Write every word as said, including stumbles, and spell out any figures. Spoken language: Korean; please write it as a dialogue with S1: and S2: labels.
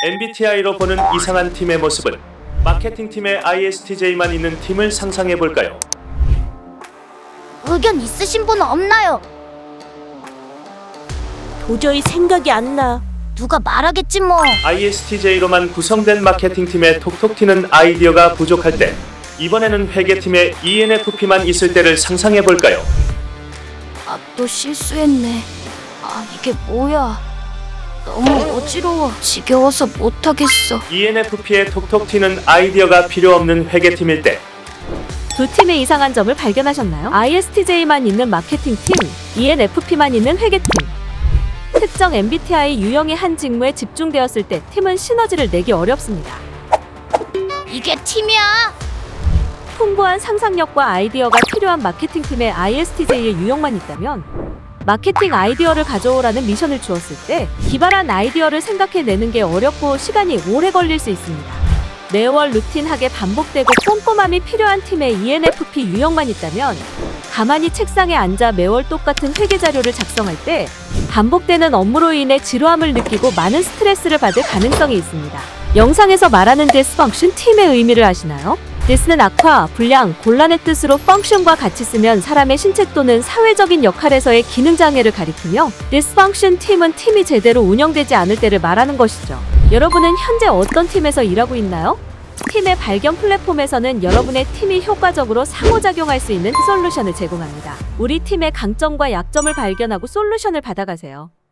S1: 엠비티아이로 보는 이상한 팀의 모습은 마케팅팀의 아이에스티제이만 있는 팀을 상상해볼까요?
S2: 의견 있으신 분 없나요?
S3: 도저히 생각이 안 나.
S2: 누가 말하겠지 뭐.
S1: 아이에스티제이로만 구성된 마케팅팀의 톡톡 튀는 아이디어가 부족할 때 이번에는 회계팀의 이엔에프피만 있을 때를 상상해볼까요?
S2: 아, 또 실수했네. 아, 이게 뭐야. 너무 어지러워. 지겨워서 못하겠어.
S1: 이엔에프피의 톡톡 튀는 아이디어가 필요 없는 회계팀일 때
S3: 두 팀의 이상한 점을 발견하셨나요? 아이에스티제이만 있는 마케팅팀, 이엔에프피만 있는 회계팀. 특정 엠비티아이 유형의 한 직무에 집중되었을 때 팀은 시너지를 내기 어렵습니다.
S2: 이게 팀이야.
S3: 풍부한 상상력과 아이디어가 필요한 마케팅팀의 아이에스티제이의 유형만 있다면 마케팅 아이디어를 가져오라는 미션을 주었을 때 기발한 아이디어를 생각해내는 게 어렵고 시간이 오래 걸릴 수 있습니다. 매월 루틴하게 반복되고 꼼꼼함이 필요한 팀의 이엔에프피 유형만 있다면 가만히 책상에 앉아 매월 똑같은 회계 자료를 작성할 때 반복되는 업무로 인해 지루함을 느끼고 많은 스트레스를 받을 가능성이 있습니다. 영상에서 말하는 this function 팀의 의미를 아시나요? this는 악화, 불량, 곤란의 뜻으로 function과 같이 쓰면 사람의 신체 또는 사회적인 역할에서의 기능 장애를 가리키며 this function 팀은 팀이 제대로 운영되지 않을 때를 말하는 것이죠. 여러분은 현재 어떤 팀에서 일하고 있나요? 팀의 발견 플랫폼에서는 여러분의 팀이 효과적으로 상호작용할 수 있는 솔루션을 제공합니다. 우리 팀의 강점과 약점을 발견하고 솔루션을 받아가세요.